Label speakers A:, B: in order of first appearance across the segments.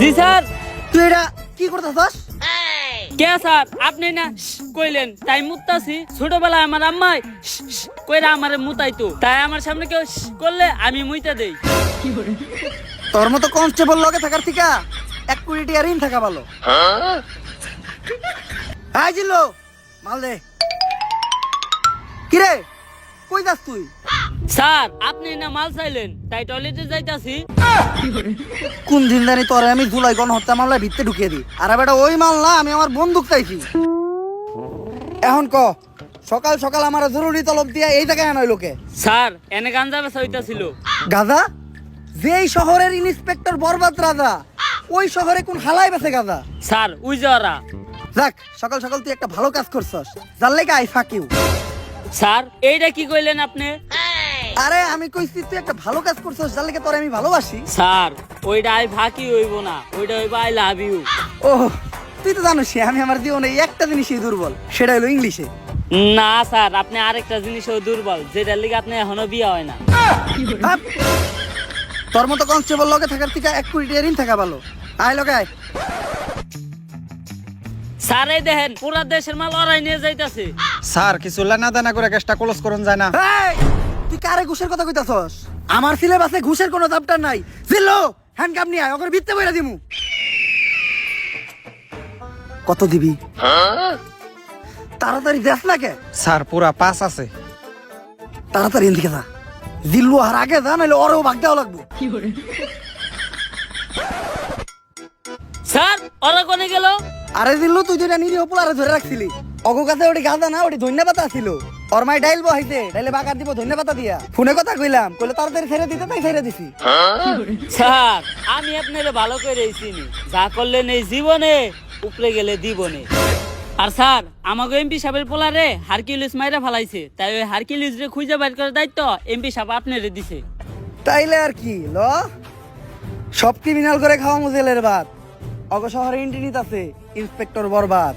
A: জি sir.
B: তুই এটা কি করতেছস?
A: কে স্যার আপনি না কইলেন তাই মুতাছি। ছোটবেলায় আমার আম্মাই কইরা আমারে মুতাইতো, তাই আমার সামনে কেউ করলে আমি মুইতা দেই।
B: তোর মতো কনস্টেবল লগে থাকার থেকে 1 কোটি টাকা ঋণ থাকা ভালো। আই জিল্লো মাল দে। কিরে কই যাস তুই?
A: স্যার আপনি না মাল চাইলেন তাই টয়লেটে যাইতাছি।
B: কোন দিন জানি তোরে আমি জুলাই গণহত্যা মামলায় ভিতরে ঢুকিয়ে দিই। আর বেটা ওই মাল না, আমি আমার বন্দুক চাইছি। এখন ক সকাল সকাল আমার জরুরি তলব দিয়া এই জায়গায় আনয় লোকে।
A: স্যার এনে গাঞ্জা বেচা হইতাছিল।
B: গাজা? যেই শহরের ইন্সপেক্টর বরবাদ রাজা, ওই শহরে কোন হালাই বেছে গাজা?
A: Sir we যাওয়ারা।
B: যাক সকাল সকাল তুই একটা ভালো কাজ করছস, যার লেগে আই ফাক ইউ।
A: স্যার এইটা কি কইলেন আপনি?
B: আরে আমি কইছি তুই একটা ভালো কাজ করছস, যার লেগে তোরে আমি ভালোবাসি।
A: স্যার ওইটা আই ফাঁকি হইব না, ওইটা হইব আই লাভ ইউ।
B: ও তুই তো জানিস আমি আমার জীবনে একটা জিনিসই দুর্বল, সেটা হলো ইংলিশে।
A: না স্যার আপনি আরেকটা জিনিসও দুর্বল, যেটার লিগে আপনি এখনো বিয়ে হয় না।
B: হাপ! তোর মতো কনস্টেবল লগে থাকার থেকে 1 কোটি টাকা ঋণ থাকা ভালো। আয় লগে আয়।
A: স্যার এই দেখেন পুরা দেশের মাল ওরাই নিয়ে যাইতাছে।
C: স্যার কিছু লেনা দেনা করে গ্যাসটা ক্লোজ করুন যায় না?
B: এই, তুই কারে ঘুষের কথা কইতাছস? আমার সিলেবাসে ঘুষের কোনো চ্যাপ্টার নাই। জিল্লো হ্যান্ডকাপ নিয়ে আয়, ওকে ভিত্তে বইরা দিমু। কত দিবি? তাড়াতাড়ি দেখ না কে।
C: স্যার পুরা 5 আছে।
B: তাড়াতাড়ি এদিকে যা। জিল্লু আর আগে যা, নাহলে ওরও ভাগ দেওয়া লাগবো।
A: স্যার ওরা কোনে গেল?
B: আরে জিল্লু তুই যেটা নিরীহ পোলারে ধরে রাখছিলি, অগো কাছে ওটি গাঁদা না, ওটি ধন্যবাদ ছিল। ওর মাই ডাইল বহাইছে, ডাইলে বাগার দিব ধন্যবাদ দিয়া। ফোনে কথা কইলাম, কইলে তাড়াতাড়ি ছেড়ে দিতে, তাই ছেড়ে দিছি।
A: স্যার আমি আপনারে ভালো করে চিনি, যা করলেন এই জীবনে উপরে গেলে দিবনে। আর স্যার আমাকে এমপি সাহেবের পোলারে হারকিউলিস মাইরা ফালাইছে, তাই ওই হারকিউলিস রে খুঁজে বাইর করার দায়িত্ব এমপি সাহেব আপনারে দিছে।
B: তাইলে আর কি ল, সব ক্রিমিনাল করে খাওয়া মুজেলের ভাত। অগ শহরে ইন্টিনিত আছে ইন্সপেক্টর বরবাদ।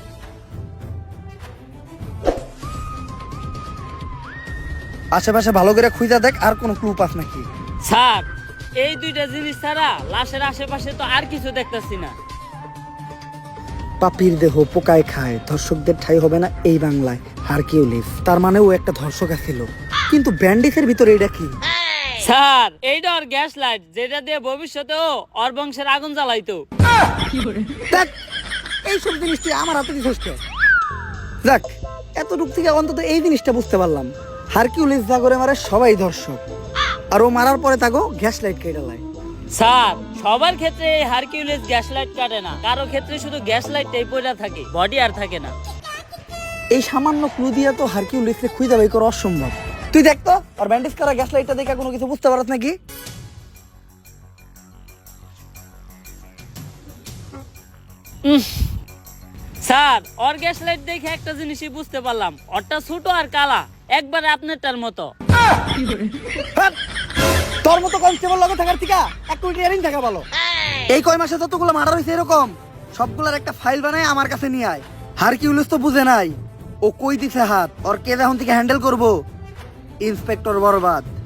B: আশেপাশে ভালো করে খুঁজা দেখ, আর কোনো ক্লু পাস নাকি।
A: স্যার এই দুইটা জিনিস ছাড়া লাশের আশেপাশে তো আর কিছু দেখতাছি না।
B: পাপির দেহ পোকায় খায়, ধর্ষকদের ঠাই হবে না এই বাংলায়। হারকিউলিস তার মানে ও একটা ধর্ষক ছিল, কিন্তু ব্যান্ডিসের ভিতরে এটা কি?
A: স্যার এইটা ওর গ্যাস লাইট, যেটা দিয়ে ভবিষ্যতেও ওর বংশের আগুন জ্বালাইতো।
B: দেখ এইসব জিনিস তুই আমার হাতে দিছিস কে? যাক এতটুক থেকে অন্তত এই জিনিসটা বুঝতে পারলাম, হারকিউলিস যা করে মারে সবাই ধর্ষক, আর ও মারার পরে তাকে গ্যাস লাইট কেটে লাই।
A: স্যার সবার ক্ষেত্রে এই হারকিউলিস গ্যাস লাইট কাটে না, কারো ক্ষেত্রে শুধু গ্যাস লাইটটাই পড়া থাকে, বডি আর থাকে না।
B: এই সামান্য ক্লু দিয়া তো হারকিউলিসকে খুঁজে বাই করা অসম্ভব। তুই দেখ তো আর ব্যান্ডেজ করা গ্যাস লাইটটা দেখে কোনো কিছু বুঝতে পারছ নাকি?
A: স্যার ওর গ্যাস লাইট দেখে একটা জিনিসই বুঝতে পারলাম, ওরটা ছোট আর কালা, একবারে আপনারটার মতো।
B: হাট! তোর মতো কনস্টেবল লগে থাকার থেকে 1 কোটি টাকা ঋণ থাকা ভালো। এই কয় মাসে যতগুলো মার্ডার হয়েছে এরকম সবগুলোর একটা ফাইল বানায় আমার কাছে নিয়ে আয়। হারকিউলিস তো বুঝে নাই ও কই দিছে হাত, ওর কে এখন থেকে হ্যান্ডেল করবো? ইন্সপেক্টর বরবাদ।